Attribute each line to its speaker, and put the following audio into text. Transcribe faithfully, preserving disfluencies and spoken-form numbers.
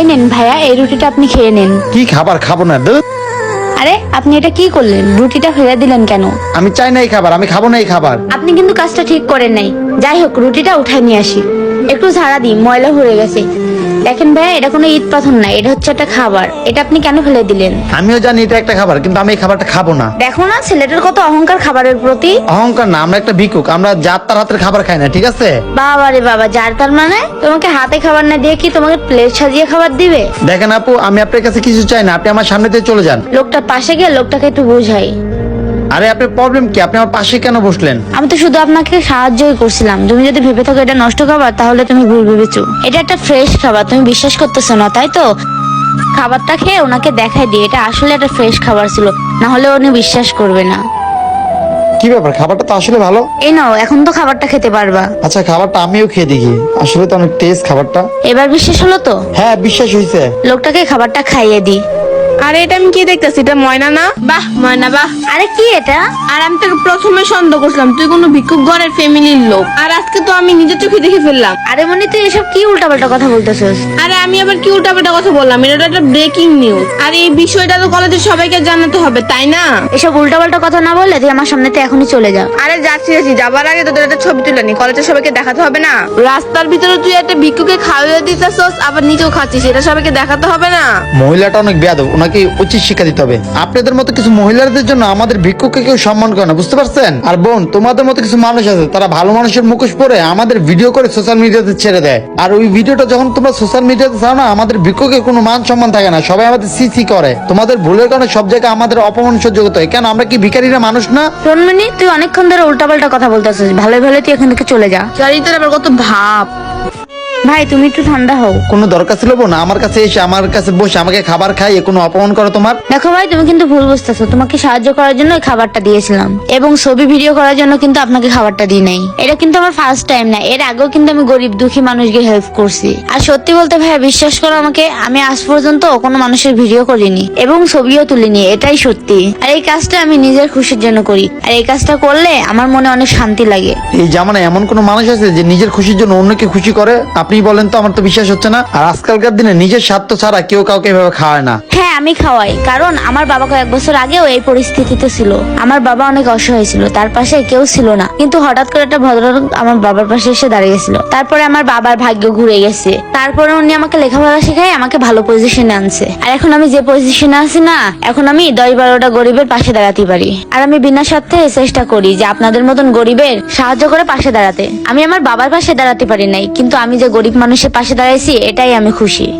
Speaker 1: এই নেন ভাইয়া, এই রুটিটা আপনি খেয়ে নেন।
Speaker 2: কি খাবার খাবো না দুধ?
Speaker 1: আরে আপনি এটা কি করলেন? রুটিটা ফেলে দিলেন কেন?
Speaker 2: আমি চাই না এই খাবার, আমি খাবো না এই খাবার।
Speaker 1: আপনি কিন্তু কাজটা ঠিক করেন নাই। যাই হোক, রুটিটা উঠায় নিয়ে আসি, একটু ঝাড়া দিই, ময়লা হয়ে গেছে। দেখেন ভাইয়া, এটা কোনো ঈদ পাথর না, এটা হচ্ছে একটা খাবার। এটা আপনি কেন ফেলে দিলেন?
Speaker 2: আমিও জানি এটা একটা খাবার, কিন্তু আমি এই খাবারটা খাবো না।
Speaker 1: দেখো না ছেলেটার কত অহংকার খাবারের প্রতি।
Speaker 2: অহংকার না, আমরা একটা ভিক্ষুক, আমরা যার তার হাতের খাবার খাই না, ঠিক আছে?
Speaker 1: বাবা রে বাবা, যার তার মানে তোমাকে হাতে খাবার না দিয়ে কি তোমাকে প্লেট সাজিয়ে খাবার দিবে?
Speaker 2: দেখেন আপু, আমি আপনার কাছে কিছু চাই না, আপনি আমার সামনে দিয়ে চলে যান।
Speaker 1: লোকটা পাশে গিয়ে লোকটাকে একটু বুঝাই।
Speaker 2: আরে আপনার প্রবলেম কি? আপনি আমার পাশে কেন বসলেন?
Speaker 1: আমি তো শুধু আপনাকে সাহায্যই করছিলাম। তুমি যদি ভেবে থাকো এটা নষ্ট খাবার, তাহলে তুমি ভুল ভেবেছো। এটা একটা ফ্রেশ খাবার, তুমি বিশ্বাস করতেছো না তাই তো? খাবারটা খেয়ে ওনাকে দেখাই দিয়ে এটা আসলে একটা ফ্রেশ খাবার ছিল, না হলে উনি বিশ্বাস করবে না।
Speaker 2: কি ব্যাপার, খাবারটা তো আসলে ভালো।
Speaker 1: এই নাও, এখন তো খাবারটা খেতে পারবা।
Speaker 2: আচ্ছা, খাবারটা আমিও খেয়ে দেখি, আসলে তো অনেক টেস্ট খাবারটা।
Speaker 1: এবার বিশ্বাস হলো তো?
Speaker 2: হ্যাঁ, বিশ্বাস হয়েছে।
Speaker 1: লোকটাকে খাবারটা খাইয়ে দি।
Speaker 3: আরে এটা আমি কি দেখতেছি? এটা ময়না না? বাহ ময়না বাহ।
Speaker 1: আরে কি এটা?
Speaker 3: আর আমি তোকে প্রথমে সন্দেহ করছিলাম তুই কোনো ভিক্ষুক ঘরের ফ্যামিলির লোক, আর আজকে তো আমি নিজের চোখে দেখে ফেললাম।
Speaker 1: আরে মনি, তুই এসব কি উল্টাপাল্টা কথা বলতেছিস?
Speaker 3: আরে আমি আবার কি উল্টাপাল্টা কথা বললাম? এটা তো একটা ব্রেকিং নিউজ, আর এই বিষয়টা তো কলেজের সবাইকে জানাতে হবে, তাই না?
Speaker 1: এসব উল্টাপাল্টা কথা না বললে তুই আমার সামনে থেকে এখনই চলে যা।
Speaker 3: আরে যাচ্ছি যাচ্ছি, যাবার আগে তোদের একটা ছবি তুলে নি, কলেজের সবাইকে দেখাতে হবে না? রাস্তার ভিতরে তুই একটা ভিক্ষুকে খাওয়িয়ে দিতেছস, আবার নিজেও খাচ্ছিস, এটা সবাইকে দেখাতে হবে না?
Speaker 2: মহিলাটা অনেক বেয়াদব, ওনাকে উচিত শিক্ষা দিতে হবে। আপনাদের মতো কিছু মহিলাদের জন্য আমাদের ভিক্ষুককে কেউ সম্মান করে না, বুঝতে পারছেন? আর বোন, তোমাদের মতো কিছু মানুষ আছে, তারা ভালো মানুষের মুখোশ পরে আমাদের ভিডিও করে সোশ্যাল মিডিয়াতে ছেড়ে দেয়। আর ওই ভিডিওটা যখন তোমরা সোশ্যাল মিডিয়াতে ছাড়ো না, আমাদের ভিক্ষুকের কোনো মান সম্মান থাকে না, সবাই আমাদের সিসি করে। তোমাদের ভুলের কারণে সব জায়গায় আমাদের অপমান সহ্য করতে হয়। কেন, আমরা কি ভিখারিরা মানুষ না?
Speaker 1: রনমনি, তুই অনেকক্ষণ ধরে উল্টাপাল্টা কথা বলতেছিস, ভালো ভালো তুই এখান থেকে চলে যা।
Speaker 3: চরিত্রের আবার কত ভাব।
Speaker 1: ভাই তুমি একটু ঠান্ডা হও।
Speaker 2: কোনো দরকার ছিল বোন আমার কাছে এসে আমার কাছে বসে আমাকে খাবার খাইয়ে কোনো অপমান করো তোমার?
Speaker 1: দেখো ভাই, তুমি কিন্তু ভুল বুঝতেছো। তোমাকে সাহায্য করার জন্য এই খাবারটা দিয়েছিলাম, এবং ছবি ভিডিও করার জন্য কিন্তু আপনাকে খাবারটা দিই নাই। এটা কিন্তু আমার ফার্স্ট টাইম না, এর আগেও কিন্তু আমি গরিব দুঃখী মানুষকে হেল্প করছি। আর সত্যি বলতে ভাই, বিশ্বাস করো আমাকে, আমি আজ পর্যন্ত কোনো মানুষের ভিডিও করিনি এবং ছবিও তুলিনি, এটাই সত্যি। আর এই কাজটা আমি নিজের খুশির জন্য করি, আর এই কাজটা করলে আমার মনে অনেক শান্তি লাগে।
Speaker 2: এই জামানায় এমন কোন মানুষ আছে যে নিজের খুশির জন্য অন্যকে খুশি করে? আপনি বলেন তো, আমার তো বিশ্বাস হচ্ছে না। আর আজকালকার দিনে নিজের স্বার্থ ছাড়া কেউ কাউকে এভাবে খাওয়ায় না।
Speaker 1: হ্যাঁ, আমি খাওয়াই, কারণ আমার বাবা কয়েক বছর আগেও এই পরিস্থিতিতে ছিল। আমার বাবা অনেক অসহায় ছিল, তার পাশে কেউ ছিল না, কিন্তু হঠাৎ করে একটা ভদ্রলোক আমার বাবার পাশে এসে দাঁড়িয়েছিল। তারপরে আমার বাবার ভাগ্য ঘুরে গেছে। তারপরে উনি আমাকে লেখাপড়া শেখায়, আমাকে ভালো পজিশনে আনছে। আর এখন আমি যে পজিশনে আছি না, এখন আমি দশ বারোটা গরিবের পাশে দাঁড়াতে পারি। আর আমি বিনা স্বার্থে চেষ্টা করি যে আপনাদের মতন গরিবের সাহায্য করে পাশে দাঁড়াতে। আমি আমার বাবার পাশে দাঁড়াতে পারি নাই, কিন্তু আমি যে গরিব মানুষের পাশে দাঁড়াইছি, এটাই আমি খুশি।